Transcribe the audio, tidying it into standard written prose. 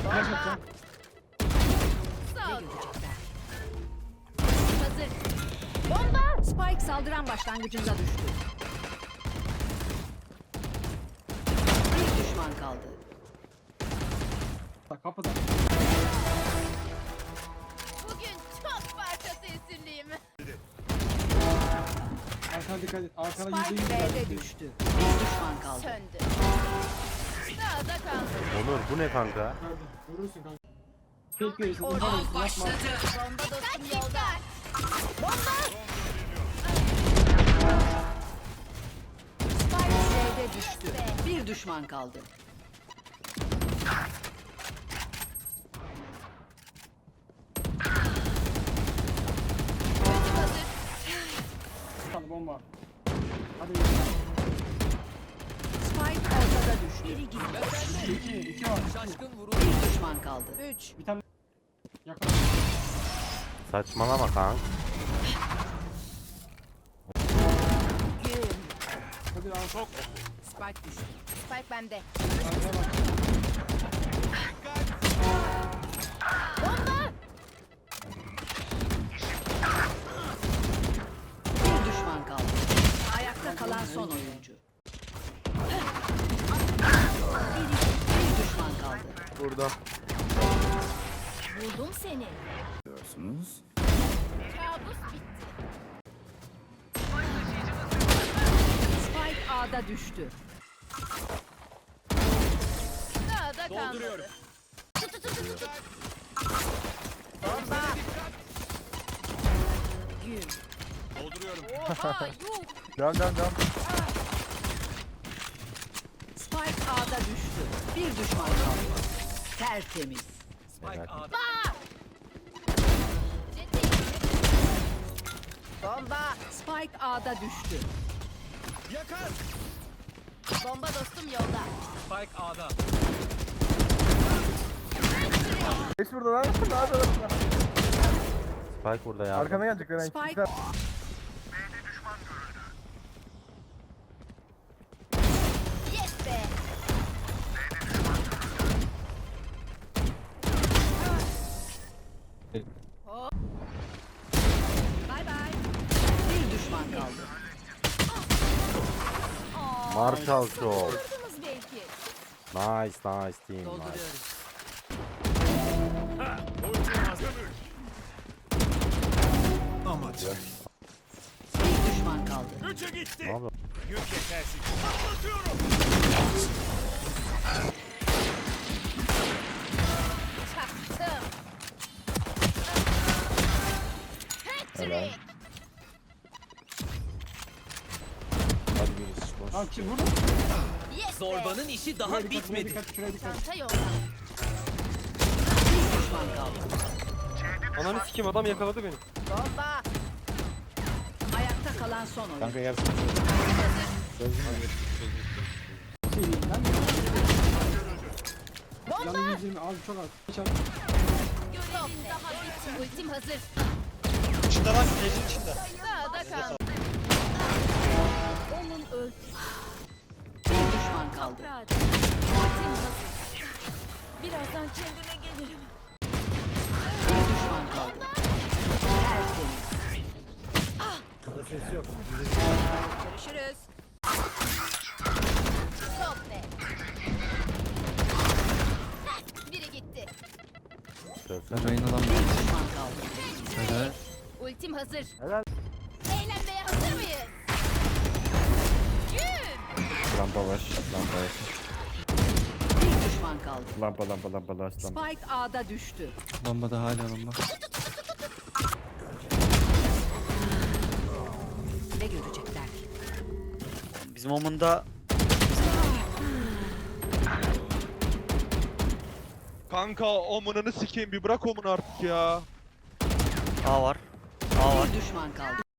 Flash atacağım. Ne görecekler? Hazır. Bomba! Spike saldıran başlangıcında düştü. Bir düşman kaldı. Kapıda. Bugün çok parçası esirliyim. Arkana dikkat et. Arkana Spike %100 B'de düştü. Bir düşman kaldı. Söndü. Sağda kaldı. Onur bu ne kanka? Nerede? Vurursun kanka. Tek görürsün. Oradan Yapma. başladı. Bomba dostum yolda. Spike B'de düştü. Bir düşman kaldı. Ultim hazır. Bir tane bomba. Hadi. Spike ortada düştü. Biri gitti. İki var. Bir düşman kaldı. 3. Bir tane. Yakın. Saçmalama kanka. Hadi al. Sok. Spike düştü. Spike bende. Arkaya bak. Bomba! Bir düşman kaldı. Ayakta kalan son oyuncu. Bir düşman kaldı. Burada. Buldum seni. Diyorsunuz. Kabus bitti. Spike A'da düştü. Sağda kalmadı. Gün. Oha yuh. Devam. Spike A'da düştü. Bir düşman kaldı. Tertemiz. Bomba! Spike A'da düştü. Bomba dostum yolda. Geç burada lan. Ne yapıyorsun? Spike burada ya. Arkana gelecek lan. Spike Yes be! bay bay. Bir düşman kaldı. Marshall Show. Kırdınız belki. Nice team. Nice. Dolduruyoruz. Bir düşman kaldı. Ne yapıyor? Çaktım. Patrick! Al ki vur. Yes Zorbanın işi daha Şuraya dikkat, şuraya bitmedi. dikkat, şuraya dikkat. Çanta yolda. Bir düşman kaldı. Ananı sikeyim adam yakaladı beni. Bomba! Ayakta kalan son oyuncu. Kanka gel. Şey diyeyim ben. Bomba! Yanı 120 abi çok az. Çal. Görevin daha bitmedi. Ultim hazır. İçinde lan evin içinde. Sağda kaldı. Onun öldü. Bir düşman kaldı. Ultim hazır. Birazdan kendime gelirim. Bir düşman kaldı. Tertemiz. Görüşürüz. Top be. Heh, biri gitti. Söylesene. Reyna lan. Bir düşman kaldı. Helal. Ultim hazır. Helal. Eğlenmeye hazır mıyız? Gün! Lampa var. Lampa var. Bir düşman kaldı. Lampa var. Spike A'da düştü. Lamba da hala lamba. Ne görecekler ki? Bizim omunda Kanka omununu sikeyim bir bırak omunu artık ya. A var. A var. Bir düşman kaldı.